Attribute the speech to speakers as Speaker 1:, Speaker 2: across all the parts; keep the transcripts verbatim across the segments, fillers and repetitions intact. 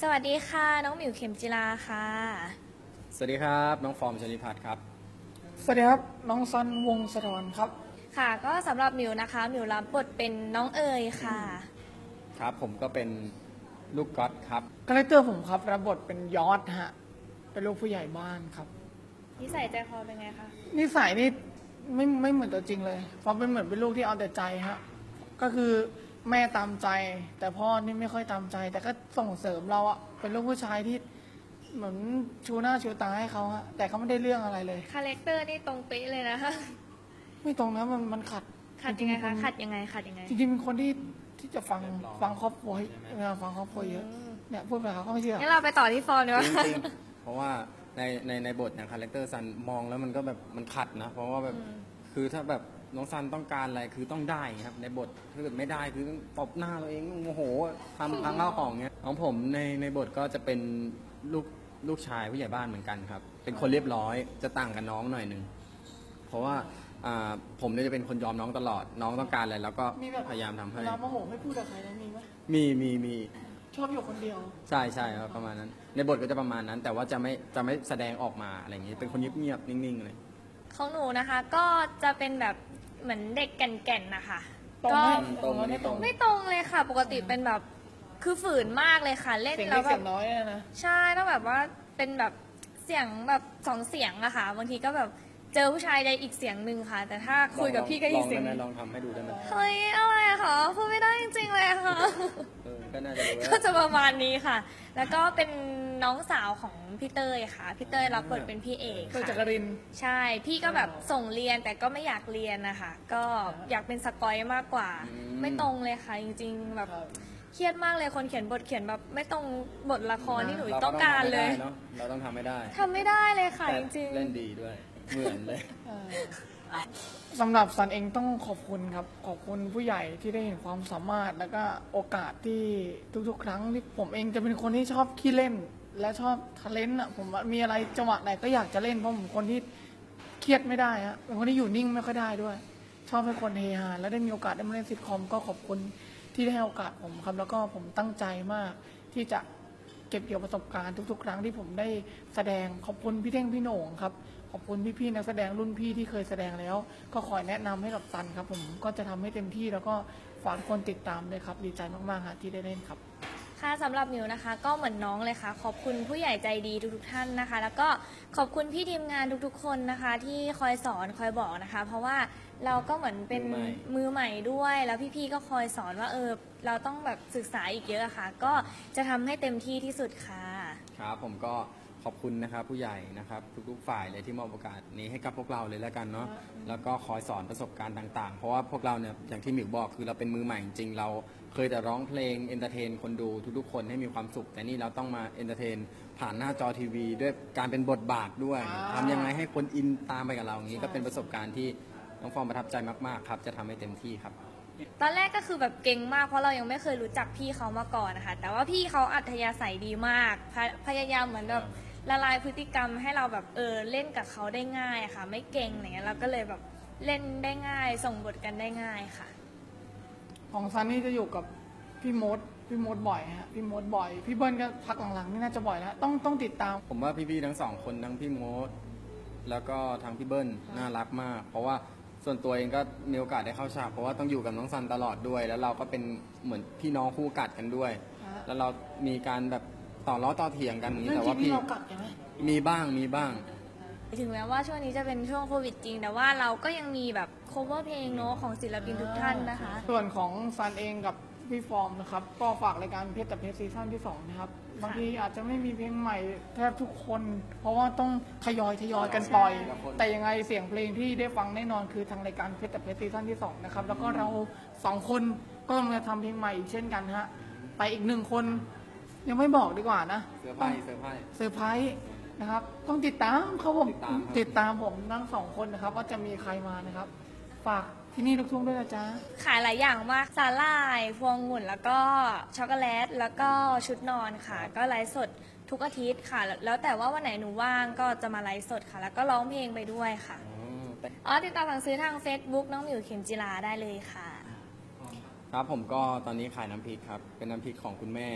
Speaker 1: สวัสดีค่ะน้องหมิวเข็มจิลาค่ะ
Speaker 2: สวัสดีครับน้องฟอร์มชนิพัฒน์ครับ
Speaker 3: สวัสดีครับน้องซันวงศ์สะทอนครับ
Speaker 1: ค่ะก็สำหรับหมิวนะคะหมิวรับบทเป็นน้องเอ๋ยค่ะ
Speaker 2: ครับผมก็เป็นลูกก๊อตครับ
Speaker 3: คาแรคเตอร์ผมครับรับบทเป็นยอดฮะเป็นลูกผู้ใหญ่บ้านครับ
Speaker 1: นิสัยใจคอเป็นไงคะ
Speaker 3: นิสัยนี่ไม่ไม่เหมือนตัวจริงเลยฟอร์มเป็นเหมือนเป็นลูกที่เอาแต่ใจฮะก็คือแม่ตามใจ แต่พ่อนี่ไม่ค่อยตามใจ แต่ก็ส่งเสริมเราอะเป็นลูกผู้ชายที่เหมือนชูหน้าชูตาให้เขาฮะแต่เขาไม่ได้เรื่องอะไรเลย
Speaker 1: คาแรคเตอร์นี่ตรงเป๊ะเลยนะคะ
Speaker 3: ไม่ตรงนะมันมันขัด
Speaker 1: ขัดยังไงคะขัดยังไงขัดยังไง
Speaker 3: จริงๆเป็นคนที่ที่จะฟังฟังครอบครัวเวลาฟังครอบครัวเยอะเนี่ยพูดไปเขาก็ไม่เชื่อ
Speaker 1: งั้นเราไปต่อที่ฟอร์มดีกว่า
Speaker 2: จริงๆเพราะว่าในในในบทอย่างคาแรคเตอร์ซันมองแล้วมันก็แบบมันขัดนะเพราะว่าแบบคือถ้าแบบน้องซันต้องการอะไรคือต้องได้ครับในบทถ้าเกิดไม่ได้คือต้องตบหน้าตัวเองโมโหทำพังข้าวของเงี้ยของผมในในบทก็จะเป็นลูกลูกชายผู้ใหญ่บ้านเหมือนกันครับเป็นคนเรียบร้อยจะต่างกับน้องหน่อยหนึ่งเพราะว่าผมเนี่ยจะเป็นคนยอมน้องตลอดน้องต้องการอะไรแล้วก็พยายามทำให้
Speaker 3: เวลาโมโหไม่พูดกับใครนะมีไหม
Speaker 2: มีมีมี
Speaker 3: ชอบอยู่คนเดียว
Speaker 2: ใช่ใช่ครับประมาณนั้นในบทก็จะประมาณนั้น แต่ว่าจะไม่จะไม่แสดงออกมาอะไรอย่างนี้เป็นคนเงียบๆนิ่งๆเลย
Speaker 1: ของหนูนะคะก็จะเป็นแบบเหมือนเด็กแก่นๆนะคะ
Speaker 3: ก็
Speaker 2: ตรงไม่ตรง
Speaker 1: ไม่ตรงเลยค่ะ ปกติเป็นแบบคือฝืนมากเลยค่ะเล่นแล้วแบบ
Speaker 3: น้อยนะ
Speaker 1: ใช่ต้องแบบว่าเป็นแบบเสียงแบบสองเสียงอะค่ะบางทีก็แบบเจอผู้ชายใดอีกเสียงหนึ่งค่ะ แต่ถ้าคุยกับพี่ก็อีกเสียง
Speaker 2: ลองทำให้ดูได้ไหม
Speaker 1: เฮ้ยอะไรอะคะพูดไม่ได้จริงๆเลยค่ะ
Speaker 2: ก็น่าจะ
Speaker 1: ก็จะประมาณนี้ค่ะ แล้วก็เป็นน้องสาวของพี่เต้ยค่ะพี่เต้ยรับบทเป็นพี่เอกค่ะ
Speaker 3: จักริน
Speaker 1: ใช่พี่ก็แบบส่งเรียนแต่ก็ไม่อยากเรียนนะคะก็อยากเป็นสกอยมากกว่าไม่ตรงเลยค่ะจริงๆแบบเครียดมากเลยคนเขียนบทเขียนแบบไม่ตรงบทละครที่หนูต้องการเลย
Speaker 2: เราต้องทำไม่ได้
Speaker 1: ทำไม่ได้เลยค่ะจริง
Speaker 2: ๆเล่นดีด้วยเหมือนเลย
Speaker 3: สำหรับซันเองต้องขอบคุณครับขอบคุณผู้ใหญ่ที่ได้เห็นความสามารถแล้วก็โอกาสที่ทุกๆ ครั้งที่ผมเองจะเป็นคนที่ชอบขี้เล่นและชอบทะเลนต์อ่ะผมมีอะไรจังหวะไหนก็อยากจะเล่นเพราะผมคนที่เครียดไม่ได้ฮะเป็นคนที่อยู่นิ่งไม่ค่อยได้ด้วย ชอบให้คนเฮฮาและได้มีโอกาสได้มาเล่นซิทคอมก็ขอบคุณที่ได้ให้โอกาสผมครับแล้วก็ผมตั้งใจมากที่จะเก็บเกี่ยวประสบการณ์ทุกๆ ครั้งที่ผมได้แสดงขอบคุณพี่เท่งพี่โหน่งครับขอบคุณพี่ๆนักแสดงรุ่นพี่ที่เคยแสดงแล้วก็คอยแนะนำให้กับซันครับผมก็จะทำให้เต็มที่แล้วก็ฝากคนติดตามเลยครับดีใจมากๆฮะที่ได้เล่นครับ
Speaker 1: ค่ะสำหรับมิวนะคะก็เหมือนน้องเลยค่ะขอบคุณผู้ใหญ่ใจดีทุกๆท่านนะคะแล้วก็ขอบคุณพี่ทีมงานทุกๆคนนะคะที่คอยสอนคอยบอกนะคะเพราะว่าเราก็เหมือนเป็นมือใหม่ด้วยแล้วพี่ๆก็คอยสอนว่าเออเราต้องแบบศึกษาอีกเยอะค่ะก็จะทำให้เต็มที่ที่สุดค่ะ
Speaker 2: ครับผมก็ขอบคุณนะครับผู้ใหญ่นะครับทุกๆฝ่ายเลยที่มอบโอกาสนี้ให้กับพวกเราเลยแล้วกันเนาะแล้วก็คอยสอนประสบการณ์ต่างๆเพราะว่าพวกเราเนี่ยอย่างที่หมิวบอกคือเราเป็นมือใหม่จริงๆเราเคยแต่ร้องเพลงเอนเตอร์เทนคนดูทุกๆคนให้มีความสุขแต่นี่เราต้องมาเอนเตอร์เทนผ่านหน้าจอทีวีด้วยการเป็นบทบาทด้วยทำยังไงให้คนอินตามไปกับเราอย่างนี้ก็เป็นประสบการณ์ที่น้องฟอร์มประทับใจมากๆครับจะทำให้เต็มที่ครับ
Speaker 1: ตอนแรกก็คือแบบเก่งมากเพราะเรายังไม่เคยรู้จักพี่เขามาก่อนนะคะแต่ว่าพี่เขาอัธยาศัยดีมากพยายามเหมือนแบบละลายพฤติกรรมให้เราแบบเออเล่นกับเขาได้ง่ายค่ะไม่เก่งอย่างเงี้ยเราก็เลยแบบเล่นได้ง่ายส่งบทกันได้ง่ายค่ะ
Speaker 3: ของซันนี่จะอยู่กับพี่มดพี่มดบ่อยฮะพี่มดบ่อยพี่เบิ้ลก็พักหลังๆนี่น่าจะบ่อยแล้วต้องต้องติดตาม
Speaker 2: ผมว่าพี่ๆทั้งสองคนทั้งพี่มดแล้วก็ทั้งพี่เบิ้ลน่ารักมากเพราะว่าส่วนตัวเองก็มีโอกาสได้เข้าฉากเพราะว่าต้องอยู่กับน้องซันตลอดด้วย แล้วเราก็เป็นเหมือนพี่น้องคู่กัดกันด้วย แล้วเรามีการแบบต่อล้อต่อเถียงกันอย่างนี้แต่ว่าพี่
Speaker 3: เรากัดกันไหม
Speaker 2: มีบ้างมีบ้าง
Speaker 1: ถึงแม้ว่าช่วงนี้จะเป็นช่วงโควิดจริงแต่ว่าเราก็ยังมีแบบ cover เพลงเนาะของศิลปินทุกท่านนะคะ
Speaker 3: ส่วนของซันเองกับพี่ฟอร์มนะครับก็ฝากรายการเพชรแต่เพชรซีซั่นที่สองนะครับบางทีอาจจะไม่มีเพลงใหม่แทบทุกคน เพราะว่าต้องทยอยทยอยกันปล่อยแต่ยังไงเสียงเพลงที่ได้ฟังแน่นอนคือทางรายการเพชรแต่เพชรซีซั่นที่สองนะครับแล้วก็เราสองคนก็กำลังจะทำเพลงใหม่อีกเช่นกันฮะไปอีกหนึ่งคนยังไม่บอกดีกว่านะ
Speaker 2: เซอร์ไพรส์เซอร์ไพรส์
Speaker 3: เซอร์ไพรส์นะครับต้องติดตามเขาผมติดตามผมทั้งสองคนนะครับว่าจะมีใครมานะครับฝากที่นี่ลูกทุ่งด้วยนะจ๊ะ
Speaker 1: ขายหลายอย่างมากสาหร่ายพวงองุ่นแล้วก็ช็อกโกแลตแล้วก็ชุดนอนค่ะก็ไลฟ์สดทุกอาทิตย์ค่ะแล้วแต่ว่าวันไหนหนูว่างก็จะมาไลฟ์สดค่ะแล้วก็ร้องเพลงไปด้วยค่ะอ๋อติดต่อสั่งซื้อทาง Facebook น้องหมิวเข็มจิลาได้เลยค่ะ
Speaker 2: ครับผมก็ตอนนี้ขายน้ำพริกครับเป็นน้ำพริกของคุณแม่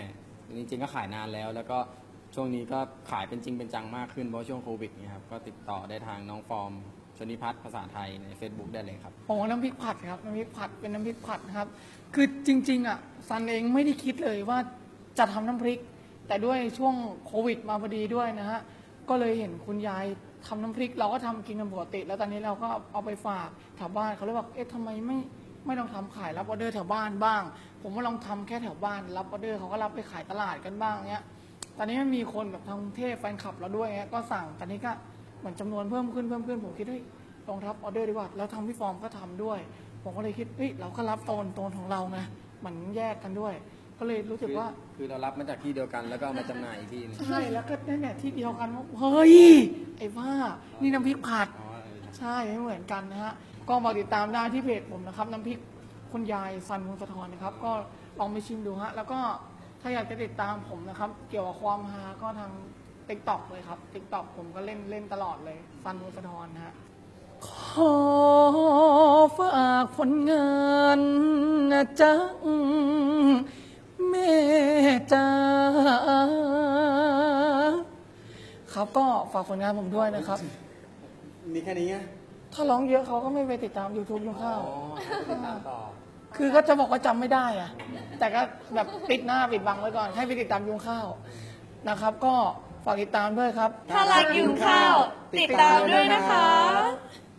Speaker 2: จริงๆก็ขายนานแล้ว แล้วก็ช่วงนี้ก็ขายเป็นจริงเป็นจังมากขึ้นเพราะช่วงโควิดเนี่ยครับก็ติดต่อได้ทางน้องฟอร์มชนิพัฒน์ภาษาไทยใน Facebook ได้เลยครับ
Speaker 3: โอ้น้ำพริกผัดครับน้ำพริกผัดเป็นน้ำพริกผัดนะครับ คือจริงๆอ่ะซันเองไม่ได้คิดเลยว่าจะทำน้ำพริก แต่ด้วยช่วงโควิดมาพอดีด้วยนะฮะก็เลยเห็นคุณยายทำน้ำพริก เราก็ทำกินกันปกติ แล้วตอนนี้เราก็เอาไปฝากแถวบ้านเขาเลยบอกเอ๊ะทำไมไม่ไม่ลองทำขายรับออเดอร์แถวบ้านบ้าง ผมว่าลองทำแค่แถวบ้านรับออเดอร์เขาก็รับไปขายตลาดกันบ้างเนี้ยตอนนี้มันมีคนแบบทางกรุงเทพแฟนคลับเราด้วยเงี้ยก็สั่งตอนนี้ก็เหมือนจำนวนเพิ่มขึ้นเพิ่มขึ้นผมคิดเฮ้ยลองรับออเดอร์ดีกว่าแล้วทางพี่ฟอร์มก็ทำด้วย ผมก็เลยคิดเฮ้ยเราก็รับโซนโซนของเราไงมันแยกกันด้วย ก็เลยรู้สึก
Speaker 2: คือ
Speaker 3: ว่า
Speaker 2: คือเรารับมาจากที่เดียวกันแล้วก็เอามาจำหน่ายอีกที่หนึง
Speaker 3: ใช่แล้วก็นั่นแหละที่เดียวกันว่าเฮ้ยไอ้ว่านี่น้ำพริกผัด
Speaker 2: อ๋อเออ
Speaker 3: ใช่ไม่เหมือนกันนะฮะก็มาติดตามได้ที่เพจผมนะครับน้ำพริกคุณยายซันวงศ์สะทอนนะครับ ก็ลองไปชิมดูฮะแล้วก็ถ้าอยากจะติดตามผมนะครับ เกี่ยวกับความฮาก็ทาง ติ๊กต็อกเลยครับติ๊กต็อกผมก็เล่นเล่นตลอดเลยซันวงศ์สะทอนนะฮะขอฝากผลงานนะจ๊ะแม่จ้าครับก็ฝากผลงานผมด้วยนะครับ
Speaker 2: มีแค่นี้ไง
Speaker 3: ถ้าร้องเยอะเขาก็ไม่ไปติดตาม YouTube ยุงข้าว
Speaker 2: อ๋อให้ไปติดตามต่อ
Speaker 3: คือก็จะบอกว่าจำไม่ได้อะแต่ก็แบบปิดหน้าปิดบังไว้ก่อน ให้ไปติดตามยุงข้าวนะครับ ก็ฝากติดตามด้วยครับ
Speaker 1: ถ้ารักยุงข้าว ติดตามด้วยนะคะ